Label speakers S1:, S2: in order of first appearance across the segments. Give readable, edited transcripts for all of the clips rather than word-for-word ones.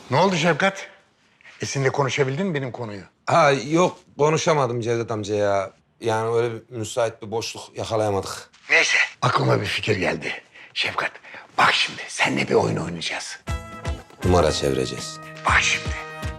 S1: Ne oldu Şefkat? Esin'le konuşabildin mi benim konuyu?
S2: Ha yok konuşamadım Cevdet amca ya. Yani öyle bir müsait bir boşluk yakalayamadık.
S1: Neyse. Aklıma bir fikir geldi. Şefkat, bak şimdi seninle bir oyun oynayacağız.
S2: Numara çevireceğiz.
S1: Bak şimdi.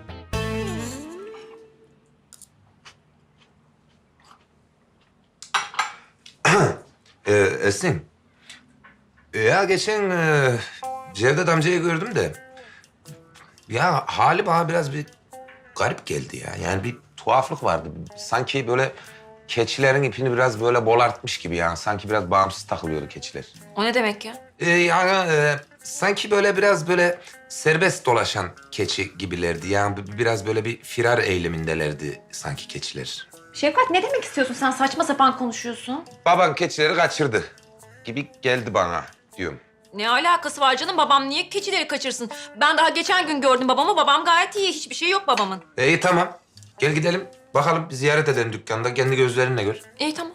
S2: Esin. Ya geçen Cevdet amcayı gördüm de... Ya hali bana biraz bir garip geldi ya. Yani bir tuhaflık vardı. Sanki böyle keçilerin ipini biraz böyle bolartmış gibi yani. Sanki biraz bağımsız takılıyordu keçiler.
S3: O ne demek ya?
S2: Sanki böyle biraz böyle serbest dolaşan keçi gibilerdi. Yani biraz böyle bir firar eylemindelerdi sanki keçiler.
S3: Şefkat ne demek istiyorsun sen? Saçma sapan konuşuyorsun.
S2: Baban keçileri kaçırdı gibi geldi bana diyorum.
S3: Ne alakası var canım? Babam niye keçileri kaçırsın? Ben daha geçen gün gördüm babamı. Babam gayet iyi. Hiçbir şey yok babamın.
S2: İyi tamam. Gel gidelim. Bakalım bir ziyaret edelim dükkanda. Kendi gözlerinle gör.
S3: İyi tamam.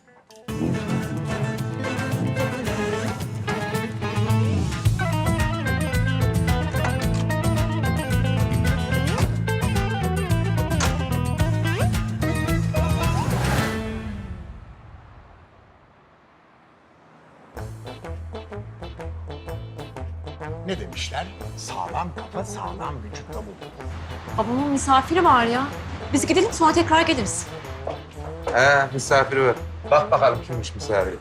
S1: Ne demişler? Sağlam kafa sağlam vücutta bulunur.
S3: Babamın misafiri var ya. Biz gidelim sonra tekrar geliriz.
S2: Misafiri var. Bak bakalım kimmiş misafiri.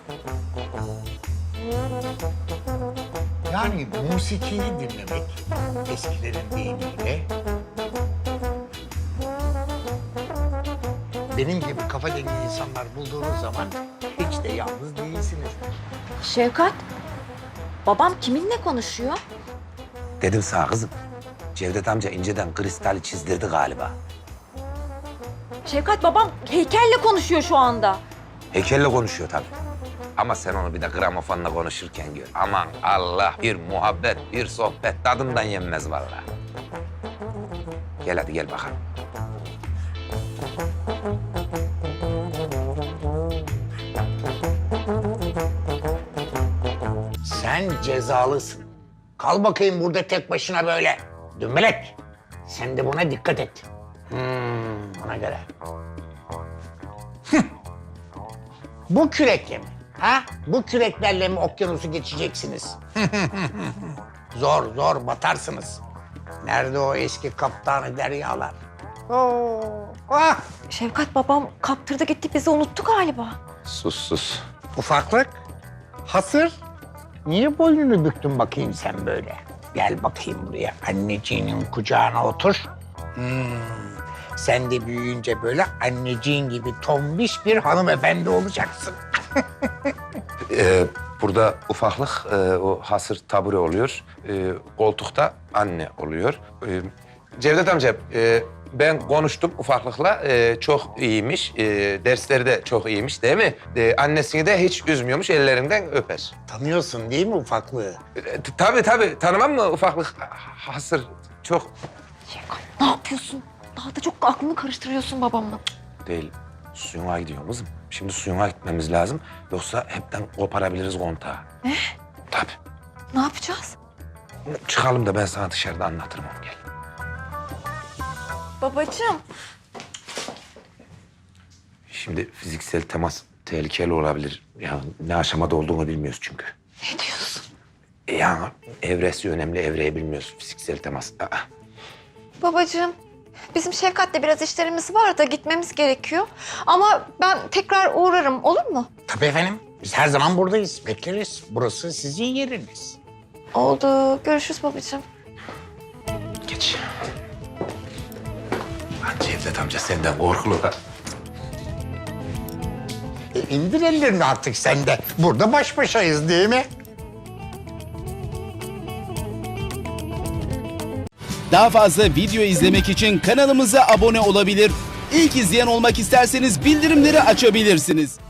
S1: Yani musikiyi dinlemek eskilerin deyimiyle... benim gibi kafa dengi insanlar bulduğunuz zaman hiç de yalnız değilsiniz.
S3: Şefkat, babam kiminle konuşuyor?
S2: Dedim sana kızım. Cevdet amca inceden kristali çizdirdi galiba.
S3: Şefkat, babam heykelle konuşuyor şu anda.
S2: Heykelle konuşuyor tabii. Ama sen onu bir de gramofonla konuşurken gör. Aman Allah, bir muhabbet, bir sohbet tadından yenmez vallahi. Gel hadi gel bakalım.
S1: Sen cezalısın. Kal bakayım burada tek başına böyle. Dümbelek. Sen de buna dikkat et. Ona göre. Bu kürekle mi? Ha? Bu küreklerle mi okyanusu geçeceksiniz? Zor zor batarsınız. Nerede o eski kaptanı deryalar? Oo, ah!
S3: Şefkat, babam kaptırdı gitti bizi unuttu galiba.
S2: Sus.
S1: Ufaklık, hasır. Niye boynunu büktün bakayım sen böyle? Gel bakayım buraya, anneciğinin kucağına otur. Sen de büyüyünce böyle anneciğin gibi tombiş bir hanımefendi olacaksın.
S2: Burada ufaklık, o hasır tabure oluyor. Koltukta anne oluyor. Cevdet amca, ben konuştum ufaklıkla. Çok iyiymiş. Dersleri de çok iyiymiş değil mi? Annesini de hiç üzmüyormuş, ellerinden öper.
S1: Tanıyorsun değil mi ufaklığı?
S2: Tabii. Tanımam mı ufaklık? Hasır çok...
S3: Şefkat, ne yapıyorsun? Daha da çok aklını karıştırıyorsun babamla.
S2: Değil. Suyuna gidiyor kızım. Şimdi suyuna gitmemiz lazım. Yoksa hepten koparabiliriz kontağı.
S3: Ne?
S2: Tabii.
S3: Ne yapacağız?
S2: Çıkalım da ben sana dışarıda anlatırım onu, gel.
S3: Babacığım.
S2: Şimdi fiziksel temas tehlikeli olabilir. Yani ne aşamada olduğunu bilmiyoruz çünkü.
S3: Ne diyorsun?
S2: Yani evresi önemli, evreyi bilmiyoruz. Fiziksel temas.
S3: Babacığım, bizim Şefkat'le biraz işlerimiz var da gitmemiz gerekiyor. Ama ben tekrar uğrarım, olur mu?
S1: Tabii efendim. Biz her zaman buradayız, bekleriz. Burası sizin yeriniz.
S3: Oldu. Görüşürüz babacığım.
S2: Geç. Lan Cevdet amca senden korkulu.
S1: İndir ellerini artık sen de. Burada baş başayız değil mi?
S4: Daha fazla video izlemek için kanalımıza abone olabilir. İlk izleyen olmak isterseniz bildirimleri açabilirsiniz.